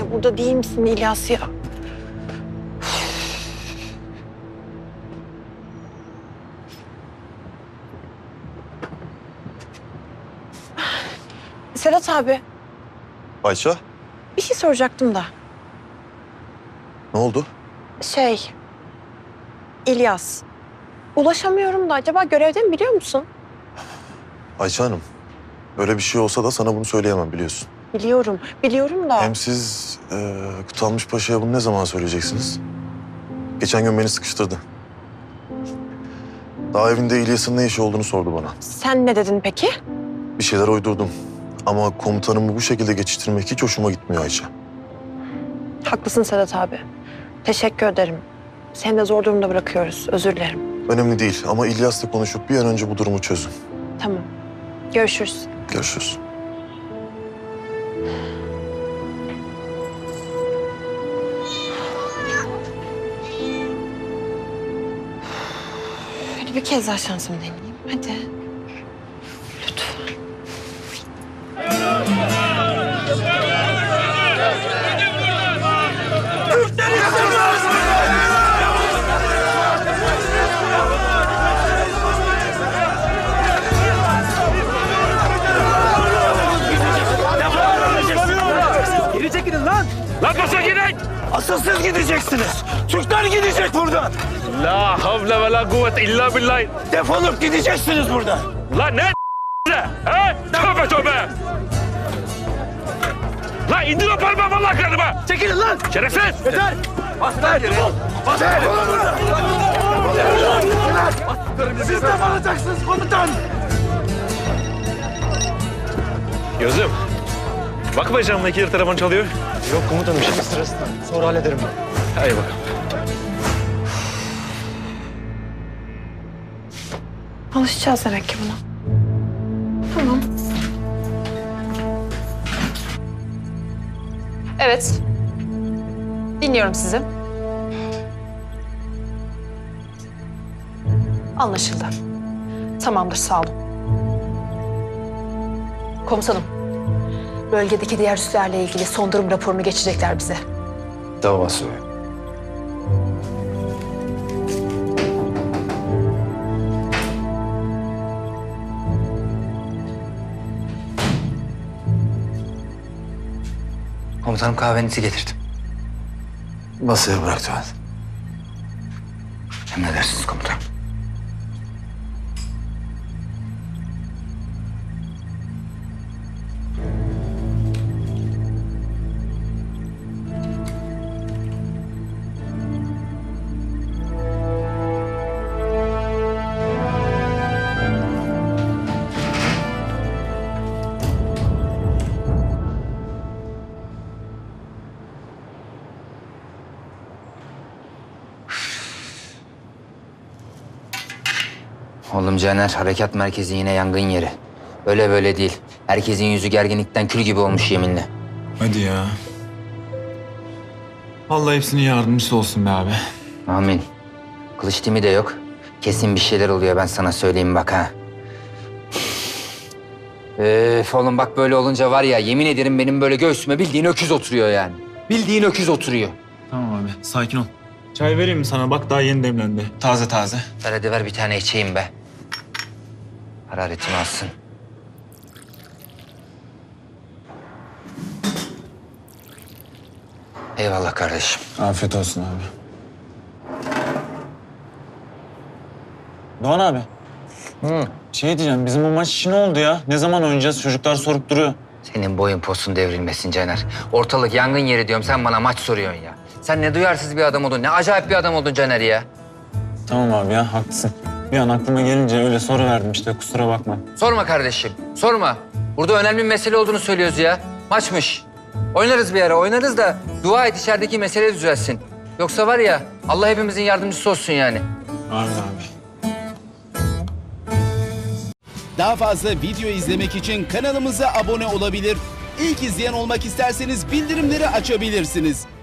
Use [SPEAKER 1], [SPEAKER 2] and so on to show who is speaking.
[SPEAKER 1] hala burada değil misin İlyas ya? Sedat abi,
[SPEAKER 2] Ayça,
[SPEAKER 1] bir şey soracaktım da.
[SPEAKER 2] ne oldu?
[SPEAKER 1] İlyas. Ulaşamıyorum da acaba görevde mi biliyor musun?
[SPEAKER 2] Ayça Hanım, öyle bir şey olsa da sana bunu söyleyemem biliyorsun.
[SPEAKER 1] Biliyorum da.
[SPEAKER 2] Hem siz Kutalmış Paşa'ya bunu ne zaman söyleyeceksiniz? Geçen gün beni sıkıştırdı. Daha evinde İlyas'ın ne işi olduğunu sordu bana.
[SPEAKER 1] Sen ne dedin peki?
[SPEAKER 2] Bir şeyler uydurdum. Ama komutanımı bu şekilde geçiştirmek hiç hoşuma gitmiyor Ayça.
[SPEAKER 1] Haklısın Sedat abi. Teşekkür ederim. Seni de zor durumda bırakıyoruz. Özür dilerim.
[SPEAKER 2] Önemli değil ama İlyas'la konuşup bir an önce bu durumu çözün.
[SPEAKER 1] Tamam. Görüşürüz.
[SPEAKER 2] Görüşürüz.
[SPEAKER 1] Hadi bir kez daha şansımı deneyeyim. Hadi. Lütfen.
[SPEAKER 3] Geri çekilin lan!
[SPEAKER 4] Lan basa gidin!
[SPEAKER 3] Asıl siz gideceksiniz. Türkler gidecek buradan.
[SPEAKER 4] La havle ve la kuvvete illa billah.
[SPEAKER 3] Defolup gideceksiniz buradan.
[SPEAKER 4] Lan ne he? Tövbe tövbe! Lan indir o parmağı vallahi kırarım ha!
[SPEAKER 3] Çekilin lan!
[SPEAKER 4] Şerefsiz!
[SPEAKER 3] Yeter! Bastır! Bastır! Siz de alacaksınız komutan!
[SPEAKER 4] Gözüm. Bakma camdaki yer telefon çalıyor.
[SPEAKER 5] Yok komutanım şimdi sırası. Sonra hallederim ben.
[SPEAKER 4] Hadi bakalım.
[SPEAKER 1] Alışacağız demek ki buna. Tamam.
[SPEAKER 6] Evet. Dinliyorum sizi. Anlaşıldı. Tamamdır, sağ olun. Komutanım, bölgedeki diğer üslerle ilgili son durum raporunu geçecekler bize.
[SPEAKER 5] Davası.
[SPEAKER 7] Komutanım kahvenizi getirdim.
[SPEAKER 2] Masaya bıraktı ben.
[SPEAKER 7] Emredersiniz komutanım. Oğlum Caner, harekat merkezi yine yangın yeri. Öyle böyle değil. Herkesin yüzü gerginlikten kül gibi olmuş yeminle.
[SPEAKER 5] Hadi ya. Vallahi hepsinin yardımcısı olsun be abi.
[SPEAKER 7] Amin. Kılıç timi de yok. Kesin bir şeyler oluyor, ben sana söyleyeyim bak ha. Oğlum bak böyle olunca var ya, yemin ederim benim böyle göğsüme bildiğin öküz oturuyor yani. Bildiğin öküz oturuyor.
[SPEAKER 5] Tamam abi sakin ol. Çay vereyim mi sana? Bak daha yeni demlendi. Taze taze.
[SPEAKER 7] Ver hadi ver bir tane içeyim be. Hararetimi alsın. Eyvallah kardeşim.
[SPEAKER 5] Afiyet olsun abi. Doğan abi. Şey diyeceğim, bizim o maç işi ne oldu ya? Ne zaman oynayacağız? Çocuklar sorup duruyor.
[SPEAKER 7] Senin boyun posun devrilmesin Caner. Ortalık yangın yeri diyorum, sen bana maç soruyorsun ya. Sen ne duyarsız bir adam oldun, ne acayip bir adam oldun Caner ya.
[SPEAKER 5] Tamam abi ya, haklısın. Bir an aklıma gelince öyle soru verdim işte, kusura bakma.
[SPEAKER 7] Sorma kardeşim, sorma. Burada önemli bir mesele olduğunu söylüyoruz ya. Maçmış. Oynarız bir ara, oynarız da dua et içerideki mesele düzelsin. Yoksa var ya, Allah hepimizin yardımcısı olsun yani.
[SPEAKER 5] Amin abi.
[SPEAKER 8] Daha fazla video izlemek için kanalımıza abone olabilir. İlk izleyen olmak isterseniz bildirimleri açabilirsiniz.